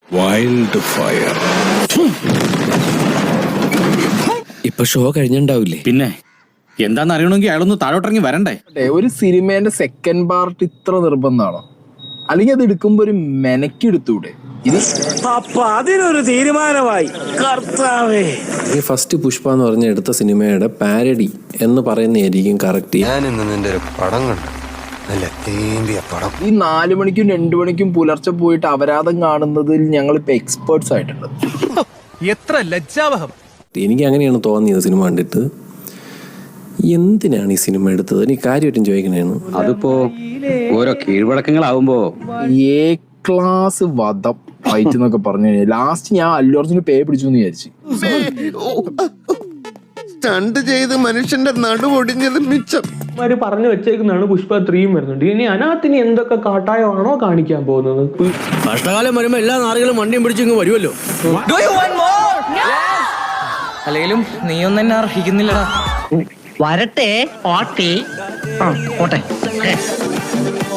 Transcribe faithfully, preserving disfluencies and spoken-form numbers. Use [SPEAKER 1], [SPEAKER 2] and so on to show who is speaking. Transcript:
[SPEAKER 1] Wild fire.
[SPEAKER 2] ഇപ്പൊ show കഴിഞ്ഞിണ്ടാവില്ലേ?
[SPEAKER 3] പിന്നെ എന്താന്ന് അറിയണമെങ്കിൽ അയാളൊന്ന് താഴോട്ടിറങ്ങി വരണ്ടേ?
[SPEAKER 4] ഒരു സിനിമേന്റെ സെക്കൻഡ് പാർട്ട് ഇത്ര നിർബന്ധമാണോ? അല്ലെങ്കിൽ അത് എടുക്കുമ്പോ ഒരു മെനക്കെടുത്തൂടെ?
[SPEAKER 5] അപ്പൊ അതിനൊരു തീരുമാനമായി. കർത്താവേ,
[SPEAKER 2] ഈ ഫസ്റ്റ് പുഷ്പ എന്ന് പറഞ്ഞ എടുത്ത സിനിമയുടെ പാരഡി എന്ന് പറയുന്നതായിരിക്കും കറക്റ്റ്.
[SPEAKER 6] ഞാൻ ഇന്ന് നിന്റെ ഒരു പടം കണ്ടു, നല്ല തേമ്പിയ പടം.
[SPEAKER 4] ഈ നാലു മണിക്കും രണ്ടു മണിക്കും പുലർച്ചെ പോയിട്ട് അപരാധം കാണുന്നതിൽ ഞങ്ങളിപ്പോ എക്സ്പേർട്സ് ആയിട്ടുണ്ട്.
[SPEAKER 5] എത്ര ലജ്ജാവഹം.
[SPEAKER 2] എനിക്ക് അങ്ങനെയാണ് തോന്നിയത് സിനിമ കണ്ടിട്ട്. എന്തിനാണ് ഈ സിനിമ എടുത്തത്? എനിക്ക് കാര്യമായിട്ടും ചോദിക്കണേന്ന്.
[SPEAKER 3] അതിപ്പോ ഓരോ കീഴ്വഴക്കങ്ങളാവുമ്പോ
[SPEAKER 4] എ ക്ലാസ് വധം ഫൈറ്റ് എന്നൊക്കെ പറഞ്ഞു കഴിഞ്ഞാൽ ലാസ്റ്റ് ഞാൻ അല്ലു അർജുന് പേ പിടിച്ചു എന്ന് വിചാരിച്ചു.
[SPEAKER 6] സ്റ്റണ്ട് ചെയ്ത് മനുഷ്യന്റെ നടുവൊടിഞ്ഞത് മിച്ചം.
[SPEAKER 7] പറഞ്ഞു വെച്ചേക്കുന്നതാണ് പുഷ്പ ത്രീയും വരുന്നുണ്ട്. ഇനി അതിനകത്തിന് എന്തൊക്കെ കാട്ടായമാണോ കാണിക്കാൻ പോകുന്നത്?
[SPEAKER 2] കഷ്ടകാലം വരുമ്പോ എല്ലാ നാറുകളും വണ്ടിയും പിടിച്ചിങ്ങ് വരുമല്ലോ.
[SPEAKER 8] അല്ലെങ്കിലും നീയൊന്നും എന്നെ അർഹിക്കുന്നില്ലടാ.
[SPEAKER 9] വരട്ടെ പാട്ടി. ആ പോട്ടെ.